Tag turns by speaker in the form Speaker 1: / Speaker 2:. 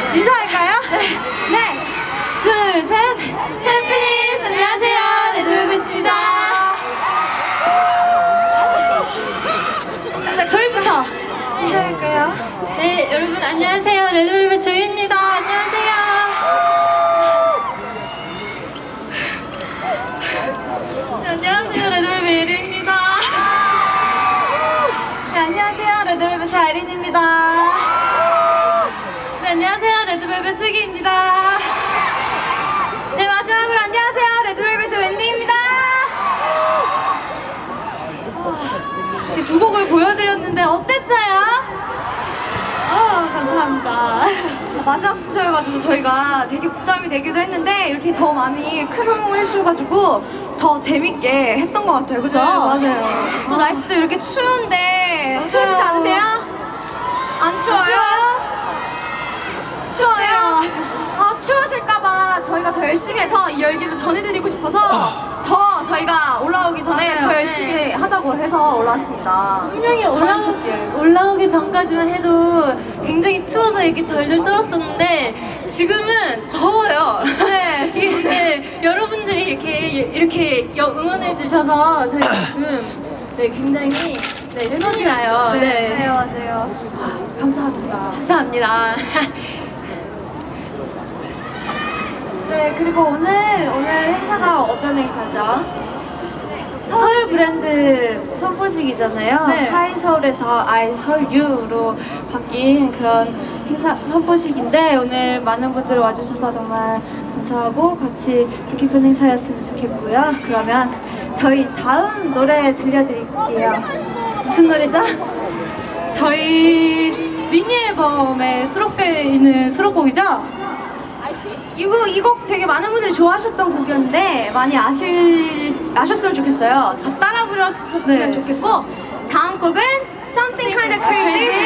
Speaker 1: 인사할까요? 네. 둘, 셋. 해피니스 안녕하세요. 레드벨벳입니다. 저희부터 인사할까요?
Speaker 2: 네, 여러분 안녕하세요. 레드벨벳 조이입니다. 안녕하세요. 네, 안녕하세요. 레드벨벳 예리입니다.
Speaker 1: 네, 안녕하세요. 레드벨벳의 아이린입니다. 네, 안녕하세요. 레드벨벳 슬기입니다. 네, 마지막으로 안녕하세요. 레드벨벳의 웬디입니다. 이렇게 두 곡을 보여드렸는데 어땠어요? 감사합니다. 마지막 순서여가지고 저희가 되게 부담이 되기도 했는데 이렇게 더 많이 큰 호응을 해주셔가지고 더 재밌게 했던 것 같아요. 그죠?
Speaker 3: 네, 맞아요.
Speaker 1: 또 날씨도 이렇게 추운데
Speaker 3: 맞아요.
Speaker 1: 추우시지 않으세요? 안 추워요? 추워요? 추우실까봐 저희가 더 열심히 해서 이 열기를 전해드리고 싶어서 더 저희가 올라오기 전에
Speaker 3: 맞아요.
Speaker 1: 더 열심히 하자고 해서 올라왔습니다.
Speaker 2: 분명히
Speaker 1: 전해주셨길.
Speaker 2: 올라오기 전까지만 해도 굉장히 추워서 이렇게 덜덜 떨었었는데 지금은 더워요.
Speaker 1: 네, 지금
Speaker 2: 네, 여러분들이 이렇게 응원해 주셔서 저희 지금 굉장히 신이 나요.
Speaker 1: 네, 맞아요. 감사합니다.
Speaker 2: 감사합니다.
Speaker 1: 네, 그리고 오늘 행사가 어떤 행사죠? 서울 브랜드 선포식이잖아요.
Speaker 2: 네.
Speaker 1: 하이 서울에서 아이 서울유로 바뀐 그런 행사 선포식인데 오늘 많은 분들 와주셔서 정말 감사하고 같이 뜻깊은 행사였으면 좋겠고요. 그러면 저희 다음 노래 들려드릴게요. 무슨 노래죠?
Speaker 3: 저희 미니 앨범에 수록되어 있는 수록곡이죠?
Speaker 1: 이 곡 되게 많은 분들이 좋아하셨던 곡이었는데 많이 아셨으면 좋겠어요. 같이 따라 부르셨으면
Speaker 3: 네.
Speaker 1: 좋겠고 다음 곡은 Something Kinda Crazy